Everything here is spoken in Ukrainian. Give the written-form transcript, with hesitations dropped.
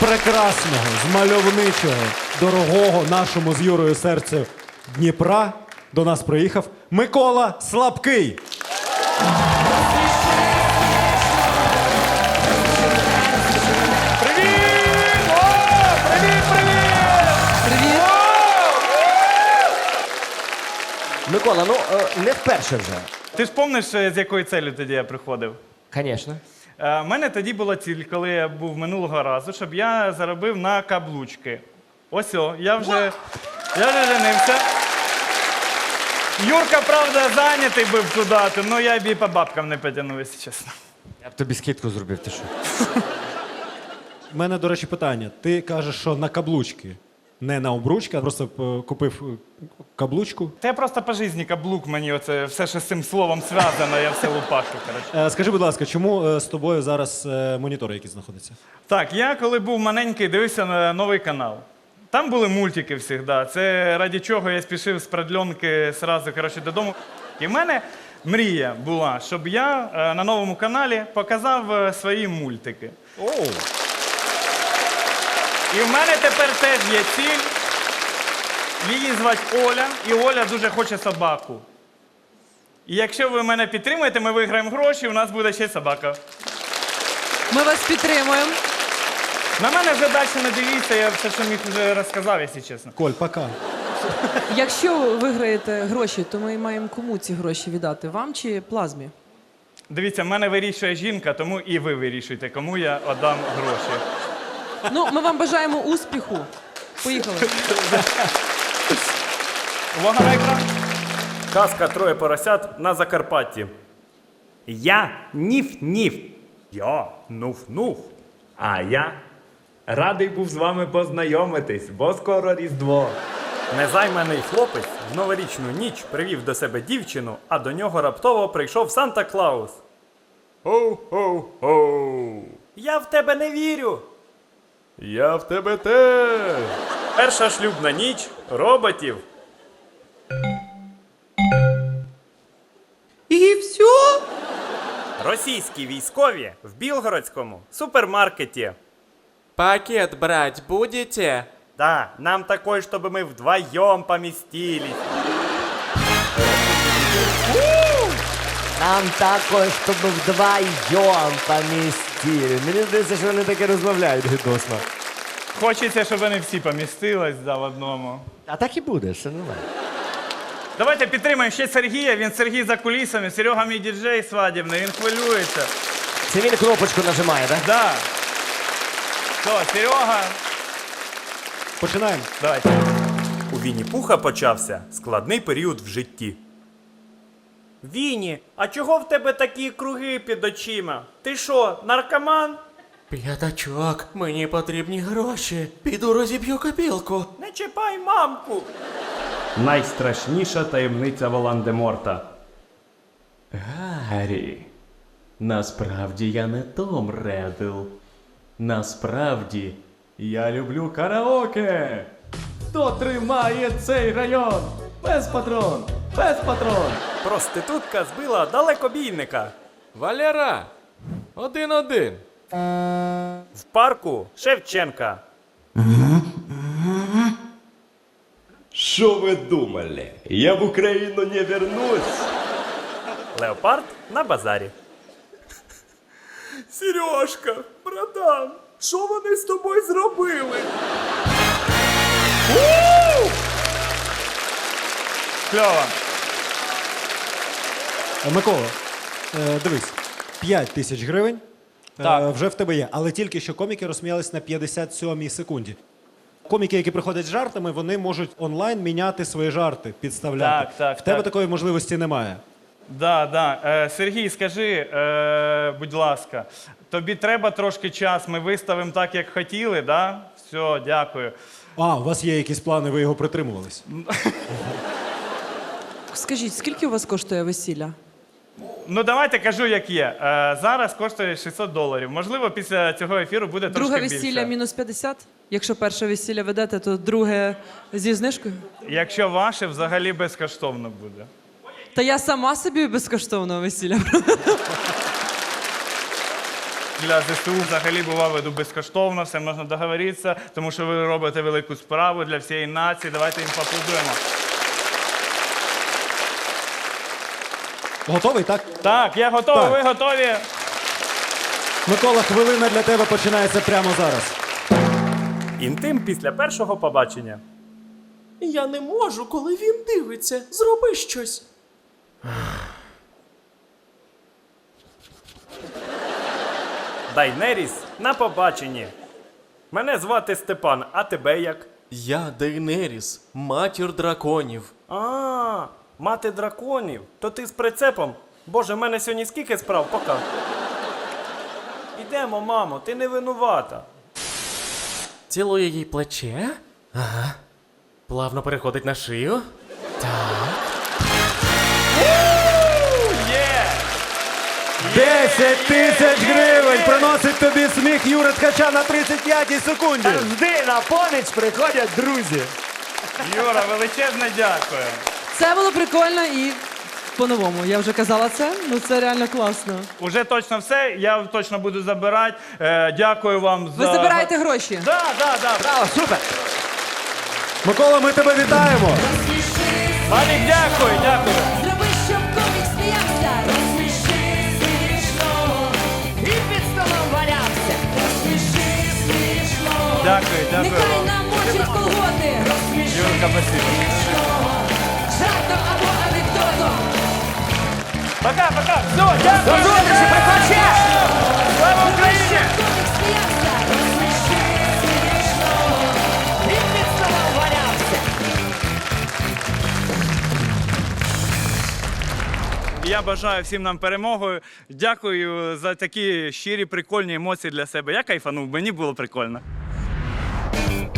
прекрасного, з мальовничого, дорогого нашому з Юрою серцю Дніпра до нас приїхав Микола Слабкий. Микола, ну не вперше вже. Ти ж пам'ятаєш, з якою целью тоді я приходив? Звісно. У мене тоді була ціль, коли я був минулого разу, щоб я заробив на каблучки. Ось, я вже женився. Юрка, правда, зайнятий був туди, але я б і по бабкам не потягнув, якщо чесно. Я б тобі скидку зробив, ти що? У мене, до речі, питання. Ти кажеш, що на каблучки, не на обручки, а просто купив каблучку. Та я просто по житті каблук мені, оце все, що з цим словом зв'язано, я все лупашу, коротше. Скажи, будь ласка, чому з тобою зараз монітори якісь знаходяться? Так, я коли був маленький, дивився на новий канал. Там були мультики завжди. Це раді чого я спішив з продльонки одразу, коротше, додому. І в мене мрія була, щоб я на новому каналі показав свої мультики. І в мене тепер теж є ціль. Її звати Оля, і Оля дуже хоче собаку. І якщо ви мене підтримуєте, ми виграємо гроші, у нас буде ще собака. Ми вас підтримуємо. На мене вже далі не дивіться, я все, що міг, вже розказав, якщо чесно. Коль, пока. Якщо ви виграєте гроші, то ми маємо кому ці гроші віддати? Вам чи плазмі? Дивіться, в мене вирішує жінка, тому і ви вирішуйте, кому я віддам гроші. Ну, ми вам бажаємо успіху. Поїхали. Увага на екран. Казка «Троє поросят» на Закарпатті. Я ніф-ніф. Я нуф-нуф. А я радий був з вами познайомитись, бо скоро Різдво. Незайманий хлопець в новорічну ніч привів до себе дівчину, а до нього раптово прийшов Санта-Клаус. Хоу-хоу-хоу. Я в тебе не вірю. Я в тебе теж. Перша шлюбна ніч роботів. І все? Російські військові в Білгородському супермаркеті. Пакет брать будете? Да, нам такой, чтобы мы вдвоем поместились. Нам також, щоб вдвоєм помістили. Мені здається, що вони таке розмовляють гидосно. Хочеться, щоб вони всі помістились в одному. А так і буде, все нормально. Давайте підтримаємо ще Сергія. Він Сергій за кулісами. Серега мій діджей свадібний, він хвилюється. Це він кнопочку нажимає, так? Да. Що, Серега? Починаємо. Давайте. У Вінні-Пуха почався складний період в житті. Вінні, а чого в тебе такі круги під очима? Ти що, наркоман? П'ятачок, мені потрібні гроші. Піду розіб'ю копілку. Не чіпай мамку. Найстрашніша таємниця Волан-де-Морта. Гаррі, насправді я не Том Реддл. Насправді я люблю караоке. Хто тримає цей район? Пес-патрон! Пес-патрон! Проститутка збила далекобійника. Валера, 1-1. В парку Шевченка. Что вы думали? Я в Украину не вернусь. Леопард на базарі. Сережка, братан, що вони з тобою зробили? Кльово. Микола, дивись, 5 тисяч гривень Так. вже в тебе є, але тільки що коміки розсміялись на 57-й секунді. Коміки, які приходять з жартами, вони можуть онлайн міняти свої жарти, підставляти. Так, в тебе так. такої можливості немає. Да. Сергій, скажи, будь ласка, тобі треба трошки час, ми виставимо так, як хотіли, да? Все, дякую. А, у вас є якісь плани, ви його притримувались? Скажіть, скільки у вас коштує весілля? Ну, давайте кажу, як є. Зараз коштує $600. Можливо, після цього ефіру буде трошки Друге більше. весілля мінус 50? Якщо перше весілля ведете, то друге зі знижкою? Якщо ваше, взагалі безкоштовно буде. Та я сама собі безкоштовного весілля. Для ЗСУ взагалі бува веду безкоштовно, все можна договоритися, тому що ви робите велику справу для всієї нації. Давайте їм поаплодуємо. Готовий, так? Так, я готовий, Так. ви готові? Микола, хвилина для тебе починається прямо зараз. Інтим після першого побачення. Я не можу, коли він дивиться. Зроби щось. Дайнеріс на побаченні. Мене звати Степан, а тебе як? Я Дейнеріс, матір драконів. А, мати драконів. То ти з прицепом? Боже, в мене сьогодні скільки справ, пока. Ідемо, мамо, ти не винувата. Цілує їй плече. Ага. Плавно переходить на шию. Є! 10 тисяч гривень приносить тобі сміх Юри Ткача на 35-й секунді. Завжди на поміч приходять друзі. Юра, величезне дякую. Це було прикольно і по-новому. Я вже казала це, ну це реально класно. Уже точно все, я точно буду забирати. Дякую вам Ви за... забираєте гроші. Да. Браво, супер! Микола, ми тебе вітаємо. Малік, дякую. Зроби, щоб комік сміявся. Розсміши смішно. І під столом валявся. Розсміши смішно. Дякую. Нехай намочить колготи. Розсміши Юрка, спасибо. жартом або анекдотом. Пока. Все, дякую. До зустрічі, приходь ще! Слава Україні! Комік сміявся. Розсміши смішно. І під столом валявся. Я бажаю всім нам перемоги. Дякую за такі щирі, прикольні емоції для себе. Я кайфанув, мені було прикольно.